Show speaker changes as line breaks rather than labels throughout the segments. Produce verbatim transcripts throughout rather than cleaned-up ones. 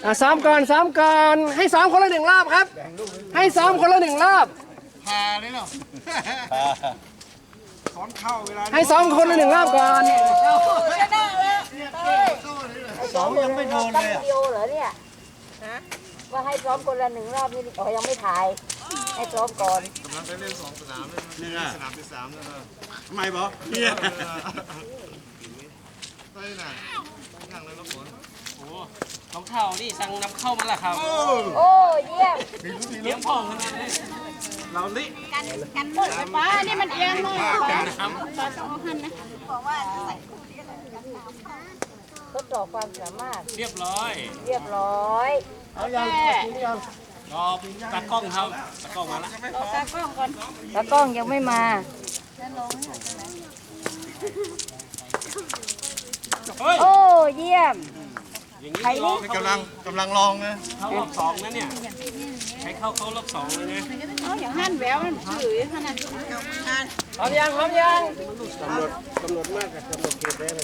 อ่ะซ้อมก่อนซ้อมก่อนให้ซ้อมคนละหนึ่งรอบครับให้ซ้อมคนละหนึ่งรอบพาเลยเนาะซ้อมเข้าเวลาให้ซ้อมคนละหนึ่งรอบก่อน
ซ้อมยังไม่โดนเลยวิดีโอเหรอเนี่ยว่าให้ซ้อมคนละหนึ่งรอบนี่อ๋อยังไม่ถ่ายให้ซ้อมก่อน
กำลังไปเล่นสองสนามเลยนี่สนามที่สามเลยทำไมบอเนี่ยไปไหนนั่งเลยรถฝน
โอ้ของเท่านี่สั่งนำเข้ามาละครับ
โอ้เยี่ยม
เลี้ยงพ่องขนาดนี้เราลิ
กันกันหมดไฟฟ้านี่มันเอียงหน่อยน้ำตอนสองพันนะบอกว่าใส่ทดสอบความสามารถ
เรียบร้อย
เรียบร้อย
เอายังยัง
รอตากล้องครับตากล้องมาละ
รอตากล้องก่อนตากล้องยังไม่มาโอ้เยี่ยม
อย่างนี้ลอง
กำลังกำลังลองนะ
เข้ารอบสองนะเนี่ยใช้เข้าเข้ารอบสองเลยนะ
เอาอย่างหั่นแหววมันถือขนาด
พร้อมยังพร้อมยัง
กำหนดกำหนดมากกับกำหนดเกณฑ์ได้เลย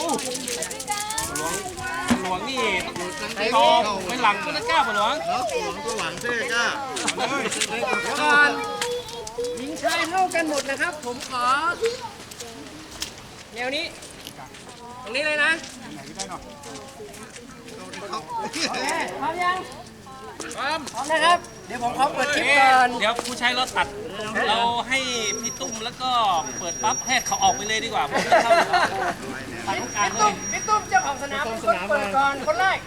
หลวงนี่ตอไม่หลังก็จะกล้าปะหลวง
หลวงก็หวังเท่กล้า
ก่อนหญิงชายเท่ากันหมดนะครับผมขอแนวนี้ตรงนี้เลยนะพร้อมยังพร้อมพร้อมนะครับเดี๋ยวผมขอเปิดคลิปก่อน
เดี๋ยวผู้ใช้เราตัดเราให้พี่ตุ้มแล้วก็เปิดปั๊บให้เขาออกไปเลยดีกว่าผมไม่เข้าไปตรงกลางเลย
พี่ตุ้มเจ้าของสนามเป็นคนเปิดก่อนคนแรก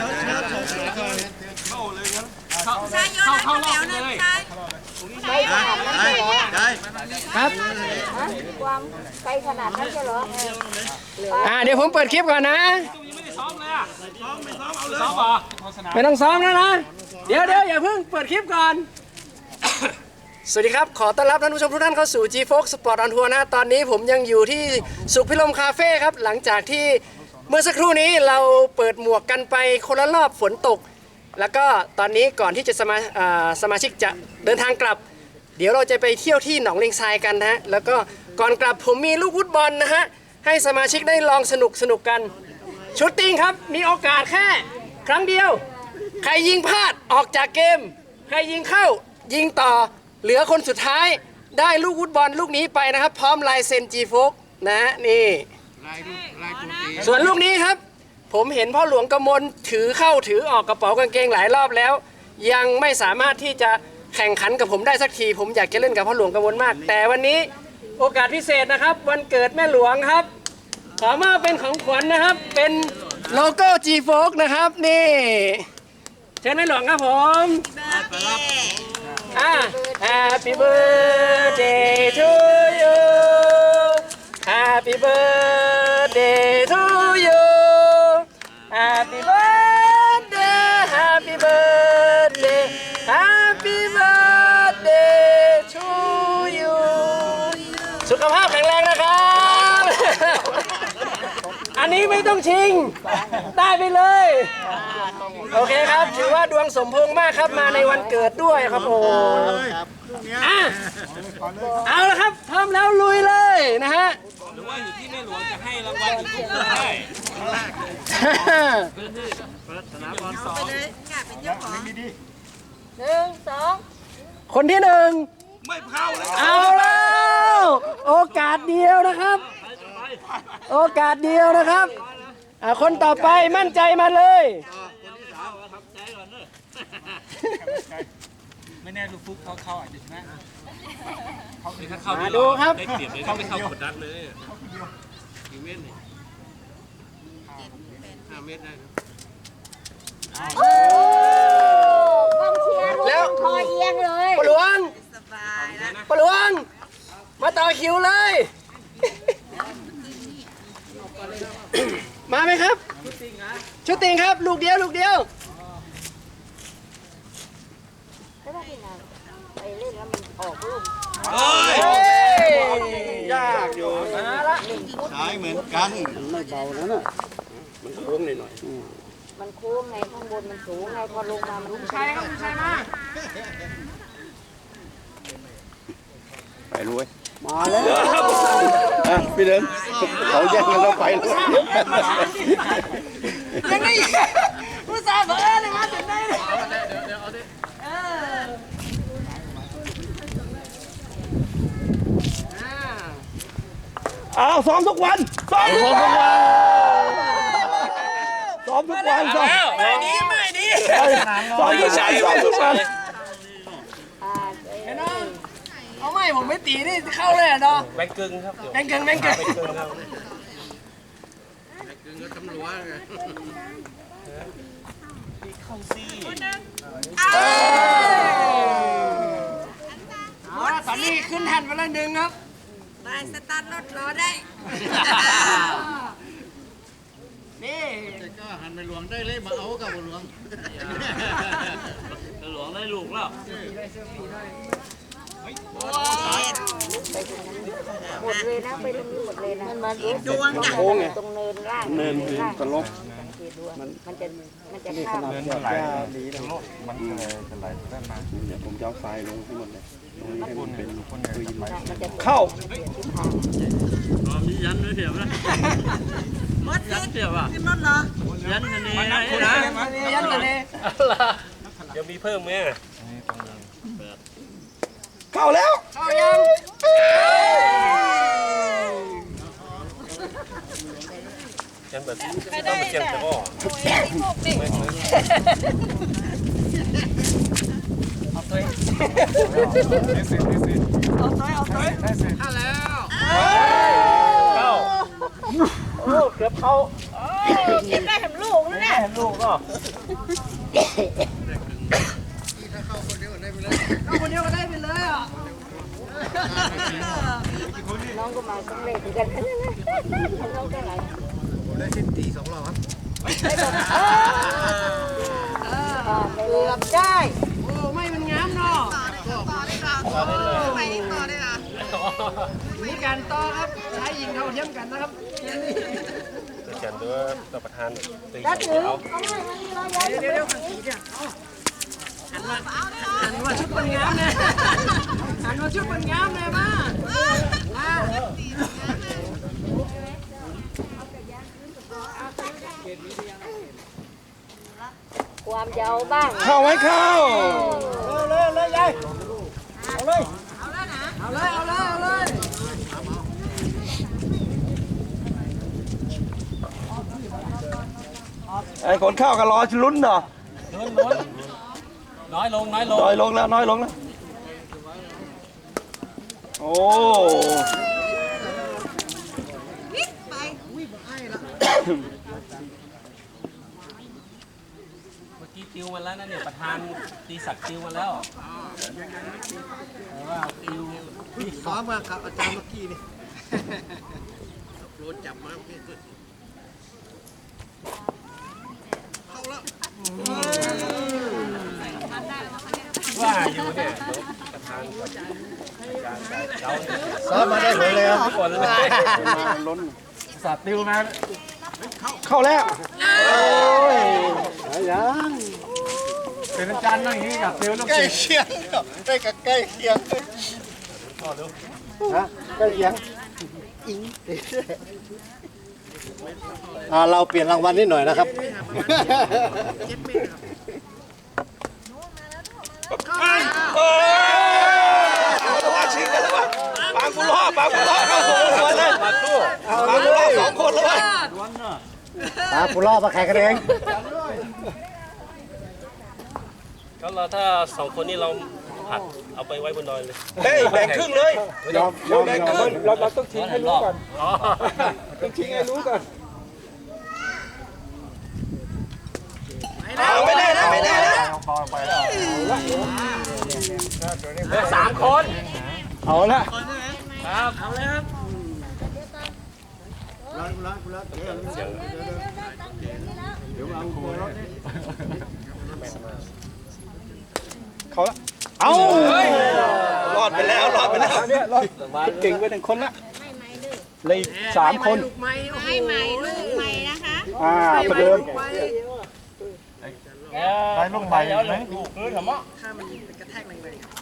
เข้าเลยครับเข้าเข้าเข้ารอบเลย
ไกลขนาดนั้นใช่เหรอ
ครับ
ความไกลขนาดนั้นใช่เหรอ
อ่าเดี๋ยวผมเปิดคลิปก่อนนะ
ยังไม่ได้ซ้อมเลยอ่ะซ้อมไม่ซ้อมเอาเลยซ้อมป่ะ
ไม่ต้องซ้อมแล้วนะเดี๋ยวเดี๋ยวอย่าเพิ่งเปิดคลิปก่อนสวัสดีครับขอต้อนรับท่านผู้ชมทุกท่านเข้าสู่ G-Fox Sport on Tour นะตอนนี้ผมยังอยู่ที่สุขพิลมคาเฟ่ครับหลังจากที่เมื่อสักครู่นี้เราเปิดหมวกกันไปคนละรอบฝนตกแล้วก็ตอนนี้ก่อนที่จะสมาสมาชิกจะเดินทางกลับเดี๋ยวเราจะไปเที่ยวที่หนองเลงทรายกันนะฮะแล้วก็ก่อนกลับผมมีลูกฟุตบอลนะฮะให้สมาชิกได้ลองสนุกสนุกกันชุดติ้งครับมีโอกาสแค่ครั้งเดียวใครยิงพลาดออกจากเกมใครยิงเข้ายิงต่อเหลือคนสุดท้ายได้ลูกฟุตบอลลูกนี้ไปนะครับพร้อมลายเซ็น G-Fox นะนี่ส่วนลูกนี้ครับผมเห็นพ่อหลวงกมลถือเข้าถือออกกระเป๋ากางเกงหลายรอบแล้วยังไม่สามารถที่จะแข่งขันกับผมได้สักทีผมอยากจะเล่นกับพ่อหลวงกมลมากแต่วันนี้โอกาสพิเศษนะครับวันเกิดแม่หลวงครับขอมาเป็นของขวัญนะครับเป็นโลโก้ G-Fox นะครับนี่เชิญแม่หลวงครับผมอ่า Happy birthday to you Happy birthday to you Happy birthday Happy birthday Happy birthday to you สุขภาพแข็งแรงนะครับอันนี้ไม่ต้องชิงได้ไปเลยโอเคครับถือว่าดวงสมพงษ์มากครับมาในวันเกิดด้วยครับโอ้อ่ะเอาละครับพร้อมแล้วลุยเลยนะฮะ
หรือว่าอยู่ที่แม่หลวงจะให้รางวัลอยู่ที่ได้สนามบอลสอง
หนึ่งสอง
คนที่หนึ่ง
ไม่เผาเลย
เอาแล้วโอกาสเดียวนะครับโอกาสเดียวนะครับอ่ะคนต่อไปมั่นใจมาเลย
ไม่แน่ลูกฟุกเขาเข้าอาจจะชนะเขาถ้าเข้า
ดูครับ
ได้เปรียบเลยเขาไม่เข้ากดดันเลยกี่เมตรนี่ห้าเมตรได้ครับ
โอ้กองเชียร์แล้วคอเอียงเลย
ปะหลวงปะหลวงมาต่อคิวเลยมาไหมครับชุดติงครับลูกเดียวลูกเดียว
ไปเล่นแล้วมันออกลูก
ยากอยู่ใช้เหมือนกันไม่เบานะน่ะมันโค้งหน่อย
มันโค้งไงข้างบนมันสูงไงพอลงมามัน
ใช่ครับใช่มาก
ไปรวยมาแล้วพี่เดินเขาแย่งกันแล้วไปเลย
ยังไงผู้สาวเบอร์เลย
เอาซ้อมทุกวันซ้อมทุกวันซ้อมทุกวันซ้อม
ไม่ดีไม่ดี
ซ้อมทุกวันซ้อมทุกวัน
เอาไม่ผมไม่ตีนี่เข้าเลยอ่ะเนาะ
แบงกึ่งครับ
แบงเกิงแบงเกิง
เข้าซี่
เอาละตอนนี้ขึ้นแท่นไปแล้วหนึ่งครับ
ไปสตาร์ทรถรอได้
นี่
ก็หันไปหลวงได้เลยมาเอากับหลวง
หลวงได้ลูกแล้ว
หมดเลยนะไปตรงนี้หมดเลยนะมันมาดวงตรงเนินล่าง
เนินตลก
มันมันจะมันจะข้าม
เนินไหลดีตลกมันจะไหลด้านมาเดี๋ยวผมจะเอาทรายลงที่มันเลยตรงนี้ให้มันเป็นคือยินไหล
มันจะ
เข้า
มียันด้วยเถียวนะ
มดยันเดียวอ่ะขึ้นรถเหรอ
ยันอันนี้
นับคุณนะ
ยันตัวนี้
เดี๋ยวมีเพิ่มไหม
เข้าแล้ว
เข้ายัง
ยันแบบต้องไปเชียงแต่ก็
เข้าแล้ว
เข้า
โอ้เกือบเข้า
เก็บได้แถมลูกนะเนี่ย
แม่ลูกก็
เข้าคนเดียวก็ได้ไปเลยอ่ะ
น้องก็มาต้องเล่นกันน้องก็ไหล
ได้สิบตีสองรอบครับ
เกือบได้
โอ้ไม่มันงามเนาะมีการต่อครับชายหญิงเท่าเทียมกันนะครับ
เขียนด้วยตัวประธานตี
ถ้าถึง
เอา
เขาไม่มันมีรอยยัน
เดี๋ยวเดี๋ยวขันสีเนี่ยหันมาหันมาชุดมันงามเนี่ยหันมาชุดมันงามเลยมามา
ความยาวบ้าง
เข้าไหมเข้า
เลยเลยยายเอาเลยเอาเลยเอาเลยเอาเลย
ไอ้คนเข้าก็รอลุ้นเนาะ
ล้นล้นน้อยลงน้อยลง
น้อยลงแล้วน้อยลงแล้วโอ้
เมื่อกี้ติวมาแล้วนะเนี่ยประธานตีศักดิ์ติวมาแล้วแต่ว่าติวที่
ซ้อมมาครับอาจารย์เมื่อกี้นี่โดนจับมาเข้าแล้ว
ว่าอยู่เนี่ยประธานเรา
ซ้อมมาได้ผลเลยครับ
คนเลย
ล้นสาดติวมาเข้าแล้วโอ้ยยังเป็นอาจารย์นั่งอย่างนี้กับติวต้อง
ใกล้
ติด
เคียงใกล้กับใกล้เคียงฮะใกล้เคียงอิงอ่าเราเปลี่ยนรางวัลนิดหน่อยนะครับ
โอ้ยว่าชิงกันแล้วว่ะปางกุล่อปางกุล่อเข้าสู่คนเลยปางกุล่อสองคนเลย
ตาปุล่อมาแข่งกันเอง
ก็เราถ้าสองคนนี้เราผัดเอาไปไว้บนดอยเลย
เฮ้ยแบ่งครึ่งเลย
ยอมยอม
แบ่งครึ่งเราเราต้องทิ้งให้รู้ก่อน
อ๋อ
ต้องทิ้งให้รู้ก่อนเอาไม่ได้นะไม่ได้นะ
เหลือสามคน
เอาละ
ครับเอาเลยครับ
เขาละเอารอดไปแล้วรอดไปแล้วเนี่ยรอดเก่งไปหนึ่งคนละเลยสามคน
ลูกไม้โอ้โห
ให้ใหม่ลูกใหม่นะคะ
อ่าประเดิม
ลูกไม้
ไปลูกใหม่ไหมลูกพื้นเหรอมะ
ถ้ามันกระแทกแรง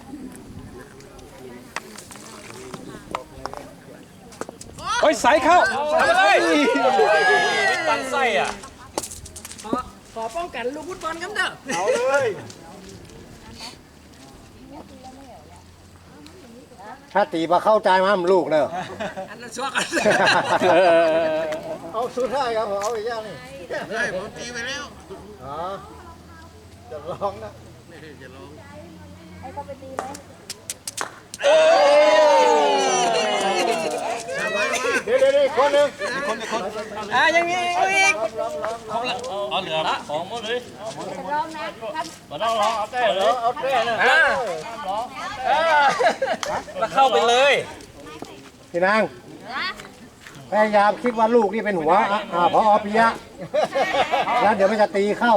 โอ้ยสายเข้า
ทำอะไรปั้นไส้อ่ะ
ๆขอขอป้องกันลูกฟุตบอลครับเด้อ
เอาเลยถ้าตีมาเข้าใจมั้มลูกเนอะ
อันนั้นชัวร์กัน
เอาสุดท้ายครับผมเอาอีกอย่างนี่
ได้ผมตีไปแล้ว
อ๋อจะลองนะ
ให้เขาไปตีไหม
เดี๋ยวเดี๋ยวเดี๋ยวคนหนึ่ง
อ่ะยังมีอีก
เอาเหลือของหมดเลย
จะร้องนะครับ
มาต้องรอเอาแต่เลย
เอาเต้นะ
อ่ะอ่ะ
แล้วเข้าไปเลย
พี่นางพยายามคิดว่าลูกนี่เป็นหัวอ่ะอ่าพอปิยะแล้วเดี๋ยวมันจะตีเข้า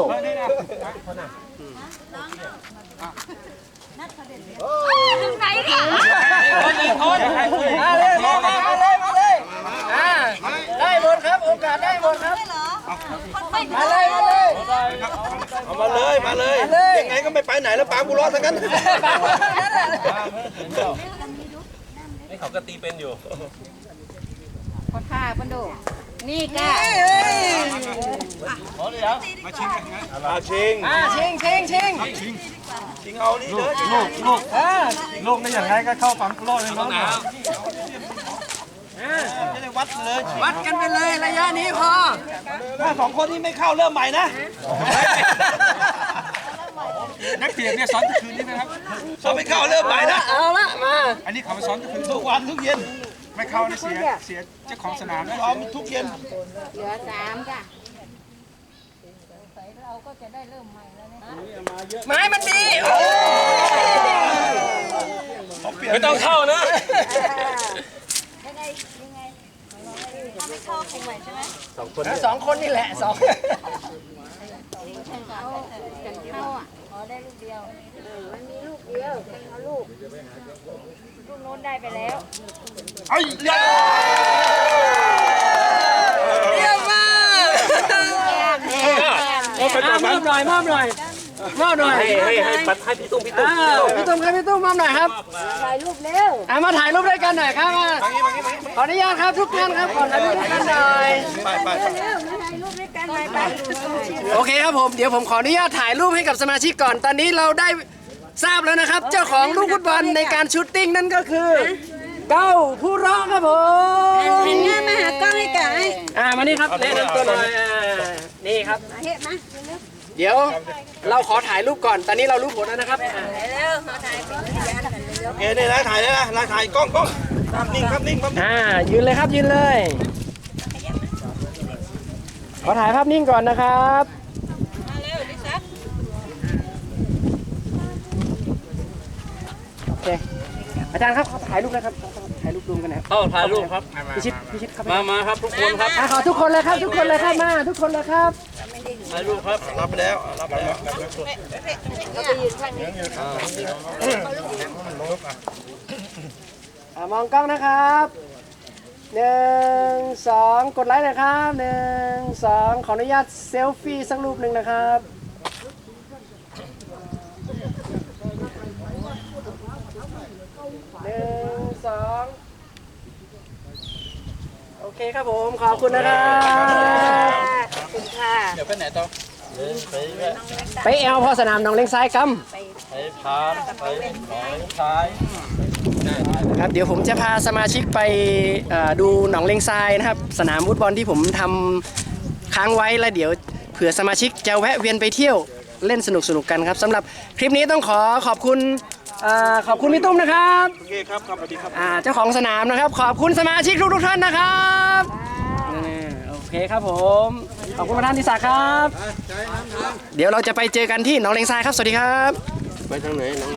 ไหนเนี่ย
คนหนึ่งคน
มาเลยมามามาเลยมาเลยอ่ะได้หมดครับโอกาสได้หมดครับมาเลยมาเลย
เอามาเลยมาเลย
มาเลย
ยังไงก็ไม่ไปไหนแล้วปาบุรอดทั้งนั้น
นี่เขาก็ตีเป็นอยู่
ขอท่าปันดูนี่ก้า
ขอเหลือ
มาชิงกันนะมาชิง
อ่ะชิงชิงชิง
ชิงเอานี่เลย
ลูกลูก
อ่ะ
ลูกนี่อย่างไรก็เข้าปั๊มโลดเลย
ต้อง
เนาะ
หนาว
อ่ะ
จะได้วัดเลย
วัดกันไปเลยระยะนี้พอ
ถ้าสองคนที่ไม่เข้าเริ่มใหม่นะ
นักเตียงเนี่ยซ้อนทุกคืนนี่ไหมครับ
เขาไม่เข้าเริ่มใหม่นะ
เอาละมา
อันนี้เขามาซ้อนทุกคืน
ทุกวันทุกเย็น
ไม่เข้านะเสียเสียเจ้าของสนามนะ
ซ้อมทุกเย็น
เหลือสามจ้ะ
ไม้มันดี
ไม่ต้องเข้านะ
ยังไงยังไงถ้าไม่เข้าคงใหม่ใช่ไหม
สองคนนี่แหละสอง
เขาจะเข้าอ่ะขอได้ลูกเดียวเออมันมีลูกเดียวเป็นเอาลูกลูกโน้นได้ไปแล้ว
ไอ้เลี้ย
เยี่ยมมาก
แก้มแก้ม
อ่ะมอบหน่อยมอบหน่อยมอบหน่อย
ให้ให้ให้ปัดให้พี่ตุ้มพี่ตุ้ม
อ้าวพี่ตุ้มครับพี่ตุ้มมอบหน่อยครับ
ถ่ายรูปเร็ว
อ่ะมาถ่ายรูปด้วยกันหน่อยครับมาขออนุญาตครับทุกท่านครับขอถ่ายรูปด้วยกันหน่อย
ไปไป
เร็วมาถ่ายรูปด้วยกันไปไป
โอเคครับผมเดี๋ยวผมขออนุญาตถ่ายรูปให้กับสมาชิกก่อนตอนนี้เราได้ทราบแล้วนะครับ เจ้าของลูกฟุตบอลในการชูตติ้งนั่นก็คือเก้าผู้ร้องครับผม
หันหน้ามาหากล้องให้กัน
อ่ามานี่ครับแนะนำตัวหน่อยอ่านี่ครับ
เฮ็ดมา
เดี๋ยวเราขอถ่ายรูปก่อน ตอนนี้เรารู้ผลแล้วนะครับอ่า
เร็วมาถ่ายเป็นพยานกันเร็ว
เอ้ยนี่นะถ่ายเลยนะนะถ่ายกล้องกล้องภาพนิ่งภาพนิ่งภาพนิ่ง
อ่ายืนเลยครับยืนเลย ขอถ่ายภาพนิ่งก่อนนะครับ
มาเร็วดิซับ
โอเคอาจารย์ครับขอถ่ายรูปนะครับถ่ายรูปรวมกันนะครับ
เข้าถ่ายรูปครับ
พิชิตพิชิตครับ
มามาครับทุกคนครับ
อ่ะขอทุกคนเลยครับ ทุกคนเลยครับมาทุกคนเลยครับ
ถ่ายรูปครับ
รับไปแล้วรับไปแล้ว
ก็ไปยืนข้างนี้
อ่ามองกล้องนะครับหนึ่งสองกดไลค์หนะครับหนึ่งสองขออนุญาตเซลฟี่สักรูปหนึ่งนะครับหนึ่งสองโอเคครับผมขอบคุณนะครับ
ขอบคุณค่ะ
เดี๋ยวไปไหนต่อ
ไปแอลพอสนามหนองเลงซ้ายกัม
ไปพานไปหนองชาย
ครับเดี๋ยวผมจะพาสมาชิกไปเอ่อดูหนองเลงทรายนะครับสนามฟุตบอลที่ผมทำค้างไว้แล้วเดี๋ยวเผื่อสมาชิกจะแวะเวียนไปเที่ยวเล่นสนุกสนุกกันครับสำหรับคลิปนี้ต้องขอขอบคุณเอ่อขอบคุณพี่ตุ้มนะครับ
โอเคครับครับสวัสดีครับ
อ่าเจ้าของสนามนะครับขอบคุณสมาชิกทุกทุกๆท่านนะครับอ่าโอเคครับผมขอบคุณประธานทิศาครับ เดี๋ยวเราจะไปเจอกันที่หนองเลงทรายครับสวัสดีครับ
ไปทางไหนน้อง